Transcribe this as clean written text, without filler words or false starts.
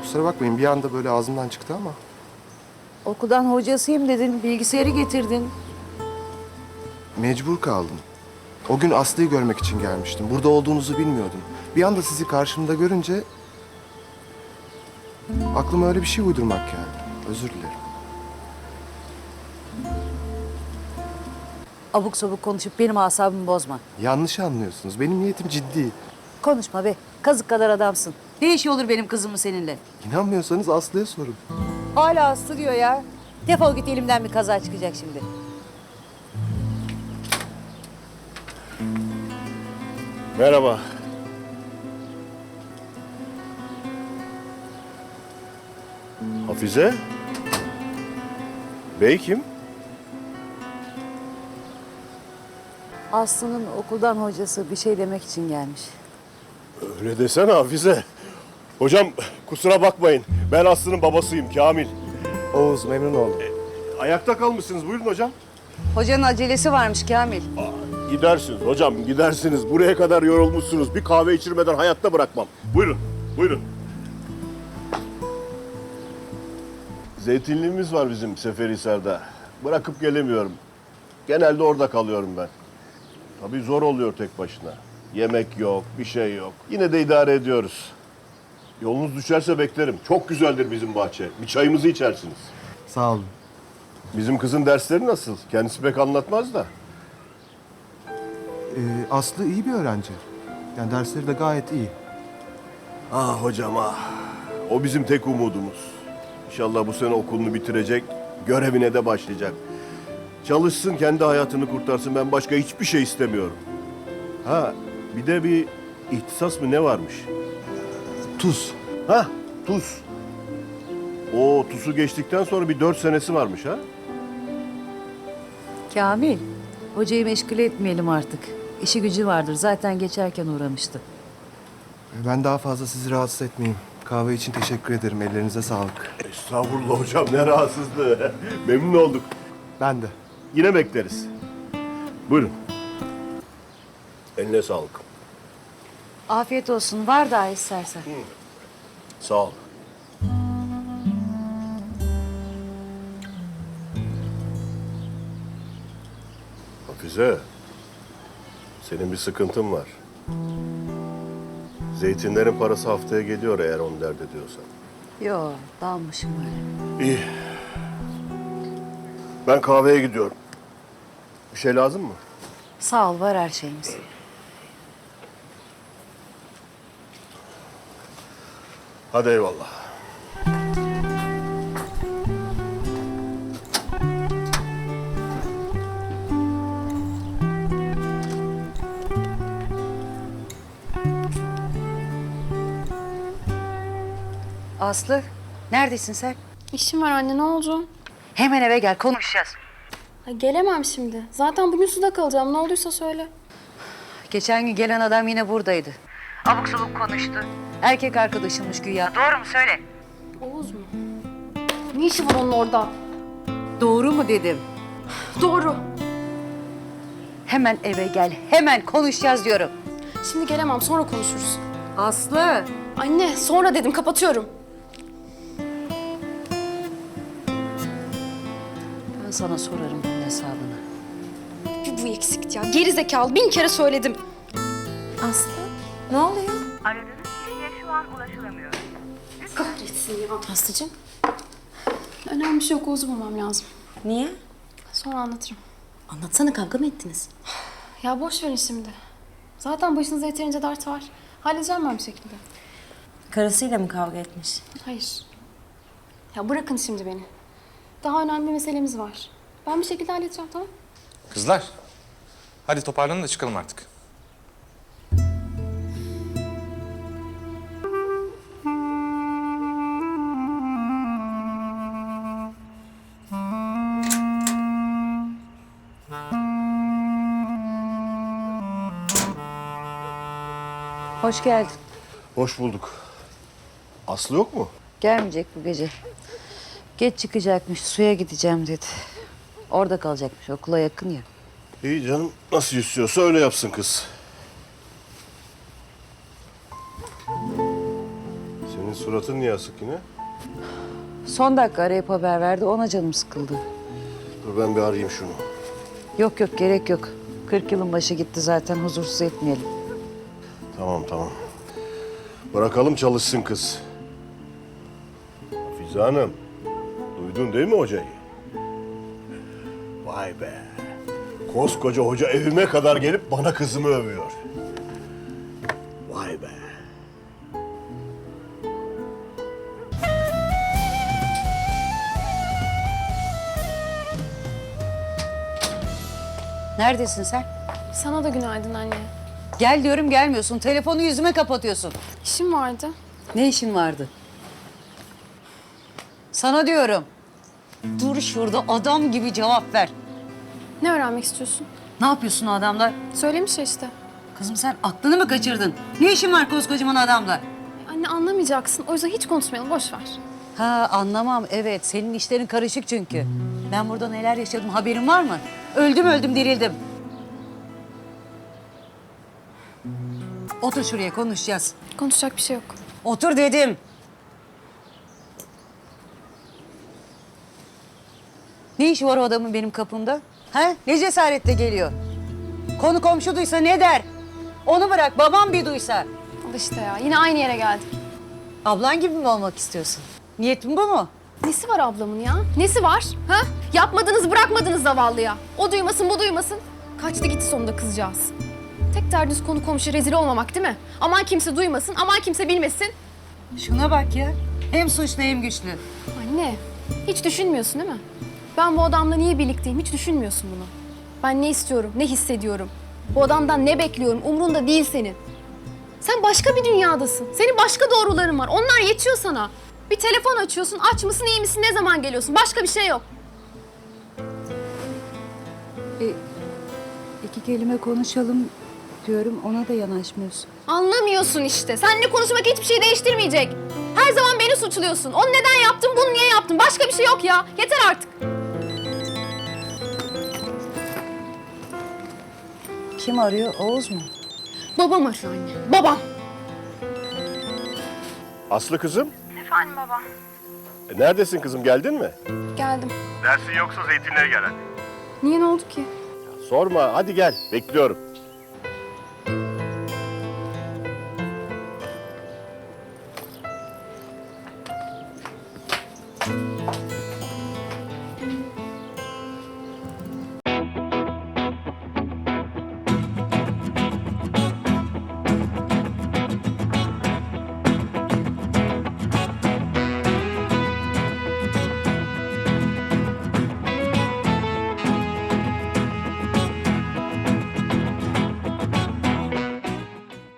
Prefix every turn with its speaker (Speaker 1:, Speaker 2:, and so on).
Speaker 1: Kusura bakmayın bir anda böyle ağzımdan çıktı ama.
Speaker 2: Okuldan hocasıyım dedin, bilgisayarı getirdin.
Speaker 1: Mecbur kaldım. O gün Aslı'yı görmek için gelmiştim. Burada olduğunuzu bilmiyordum. Bir anda sizi karşımda görünce... aklıma öyle bir şey uydurmak geldi. Özür dilerim.
Speaker 2: Abuk sabuk konuşup benim asabımı bozma.
Speaker 1: Yanlış anlıyorsunuz. Benim niyetim ciddi.
Speaker 2: Konuşma be, kazık kadar adamsın. Ne işi olur benim kızımın seninle?
Speaker 1: İnanmıyorsanız Aslı'ya sorun.
Speaker 2: Hala Aslı diyor ya. Defol git, elimden bir kaza çıkacak şimdi.
Speaker 3: Merhaba. Hafize? Bey kim?
Speaker 2: Aslı'nın okuldan hocası bir şey demek için gelmiş.
Speaker 3: Öyle desene Hafize. Hocam kusura bakmayın. Ben Aslı'nın babasıyım Kamil.
Speaker 1: Oğuz memnun oldum.
Speaker 3: Ayakta kalmışsınız. Buyurun hocam.
Speaker 2: Hocanın acelesi varmış Kamil.
Speaker 3: Gidersiniz hocam gidersiniz. Buraya kadar yorulmuşsunuz. Bir kahve içirmeden hayatta bırakmam. Buyurun. Buyurun. Zeytinliğimiz var bizim Seferihisar'da. Bırakıp gelemiyorum. Genelde orada kalıyorum ben. Tabii zor oluyor tek başına. Yemek yok, bir şey yok. Yine de idare ediyoruz. Yolunuz düşerse beklerim. Çok güzeldir bizim bahçe. Bir çayımızı içersiniz.
Speaker 1: Sağ olun.
Speaker 3: Bizim kızın dersleri nasıl? Kendisi pek anlatmaz da.
Speaker 1: Aslı iyi bir öğrenci. Yani dersleri de gayet iyi.
Speaker 3: Ah hocam ah. O bizim tek umudumuz. İnşallah bu sene okulunu bitirecek, görevine de başlayacak. Çalışsın, kendi hayatını kurtarsın. Ben başka hiçbir şey istemiyorum. Ha, bir de bir ihtisas mı ne varmış?
Speaker 1: Tuz.
Speaker 3: Ha, tuz. O TUS'u geçtikten sonra bir 4 senesi varmış ha?
Speaker 2: Kamil, hocayı meşgul etmeyelim artık. İşi gücü vardır, zaten geçerken uğramıştı.
Speaker 1: Ben daha fazla sizi rahatsız etmeyeyim. Kahve için teşekkür ederim. Ellerinize sağlık.
Speaker 3: Estağfurullah hocam, ne rahatsızlığı. Memnun olduk.
Speaker 1: Ben de.
Speaker 3: Yine bekleriz. Buyurun. Eline sağlık.
Speaker 2: Afiyet olsun, var daha istersen.
Speaker 3: Sağ ol. Hafize, senin bir sıkıntın var. Zeytinlerin parası haftaya geliyor eğer onu dert ediyorsan.
Speaker 2: Yo, dalmışım böyle.
Speaker 3: İyi. Ben kahveye gidiyorum. Bir şey lazım mı?
Speaker 2: Sağ ol, var her şeyimiz.
Speaker 3: Hadi eyvallah.
Speaker 2: Aslı, neredesin sen?
Speaker 4: İşim var anne, ne oldu?
Speaker 2: Hemen eve gel, konuşacağız.
Speaker 4: Ay, gelemem şimdi. Zaten bugün suda kalacağım. Ne olduysa söyle.
Speaker 2: Geçen gün gelen adam yine buradaydı. Abuk sabuk konuştu. Erkek arkadaşımmış güya. Doğru mu söyle?
Speaker 4: Oğuz mu? Ne işi var onun orada?
Speaker 2: Doğru mu dedim.
Speaker 4: Doğru.
Speaker 2: Hemen eve gel, hemen konuşacağız diyorum.
Speaker 4: Şimdi gelemem, sonra konuşuruz.
Speaker 2: Aslı.
Speaker 4: Anne, sonra dedim, kapatıyorum.
Speaker 2: Ben sana sorarım bunun hesabını.
Speaker 4: Bir bu eksikti ya. Geri zekalı, 1000 kere söyledim.
Speaker 5: Aslı, ne oluyor?
Speaker 6: Aradığınız kişiye şu an ulaşılamıyor.
Speaker 4: Kahretsin ya. Aslıcığım. Önemli bir şey yok, Oğuz'u bulmam lazım.
Speaker 5: Niye?
Speaker 4: Sonra anlatırım.
Speaker 5: Anlatsana, kavga mı ettiniz?
Speaker 4: Ya boş verin şimdi. Zaten başınızda yeterince dert var. Halledeceğim ben bir şekilde.
Speaker 5: Karısıyla mı kavga etmiş?
Speaker 4: Hayır. Ya bırakın şimdi beni. Daha önemli bir meselemiz var. Ben bir şekilde halledeceğim, tamam?
Speaker 7: Kızlar, hadi toparlanın da çıkalım artık.
Speaker 2: Hoş geldin.
Speaker 3: Hoş bulduk. Aslı yok mu?
Speaker 2: Gelmeyecek bu gece. Geç çıkacakmış, suya gideceğim dedi. Orada kalacakmış, okula yakın ya.
Speaker 3: İyi canım. Nasıl istiyorsa öyle yapsın kız. Senin Suratın niye asık yine?
Speaker 2: Son dakika arayıp haber verdi. Ona canım sıkıldı.
Speaker 3: Dur ben bir arayayım şunu.
Speaker 2: Yok yok gerek yok. 40 yılın başı gitti zaten. Huzursuz etmeyelim.
Speaker 3: Tamam tamam. Bırakalım çalışsın kız. Hafize Hanım, duydun değil mi hocayı? Vay be. Koskoca hoca evime kadar gelip bana kızımı övüyor. Vay be.
Speaker 2: Neredesin sen?
Speaker 4: Sana da günaydın anne.
Speaker 2: Gel diyorum gelmiyorsun. Telefonu yüzüme kapatıyorsun.
Speaker 4: İşim vardı.
Speaker 2: Ne işin vardı? Sana diyorum. Dur şurada adam gibi cevap ver.
Speaker 4: Ne öğrenmek istiyorsun?
Speaker 2: Ne yapıyorsun o adamla?
Speaker 4: Söylemiş ya işte.
Speaker 2: Kızım sen aklını mı kaçırdın? Ne işin var koskocaman adamla?
Speaker 4: Anne anlamayacaksın. O yüzden hiç konuşmayalım. Boş ver.
Speaker 2: Ha anlamam evet. Senin işlerin karışık çünkü. Ben burada neler yaşadım haberin var mı? Öldüm dirildim. Otur şuraya konuşacağız.
Speaker 4: Konuşacak bir şey yok.
Speaker 2: Otur dedim. Ne işi var o adamın benim kapımda? Ha? Ne cesaretle geliyor? Konu komşu duysa ne der? Onu bırak babam bir duysa.
Speaker 4: Al işte ya. Yine aynı yere geldik.
Speaker 2: Ablan gibi mi olmak istiyorsun? Niyetin bu mu?
Speaker 4: Nesi var ablamın ya? Nesi var? Ha? Yapmadınız bırakmadınız zavallıya. O duymasın bu duymasın. Kaçtı gitti sonunda kızcağız. Tek derdiniz konu komşu rezil olmamak değil mi? Aman kimse duymasın, aman kimse bilmesin.
Speaker 2: Şuna bak ya. Hem suçlu hem güçlü.
Speaker 4: Anne, hiç düşünmüyorsun değil mi? Ben bu adamla niye birlikteyim hiç düşünmüyorsun bunu. Ben ne istiyorum, ne hissediyorum. Bu adamdan ne bekliyorum umrunda değil senin. Sen başka bir dünyadasın. Senin başka doğruların var. Onlar yetiyor sana. Bir telefon açıyorsun, aç mısın, iyi misin, ne zaman geliyorsun? Başka bir şey yok.
Speaker 2: İki kelime konuşalım diyorum ona da yanaşmıyorsun.
Speaker 4: Anlamıyorsun işte. Seninle konuşmak hiçbir şey değiştirmeyecek. Her zaman beni suçluyorsun. Onu neden yaptın, bunu niye yaptın? Başka bir şey yok ya. Yeter artık.
Speaker 2: Kim arıyor? Oğuz mu?
Speaker 4: Babam arıyor anne. Babam.
Speaker 3: Aslı kızım,
Speaker 6: Efendim baba.
Speaker 3: neredesin kızım, geldin mi?
Speaker 4: Geldim.
Speaker 3: Dersin yoksa zeytinliğe gel hadi.
Speaker 4: Niye ne oldu ki?
Speaker 3: Sorma, hadi gel, bekliyorum.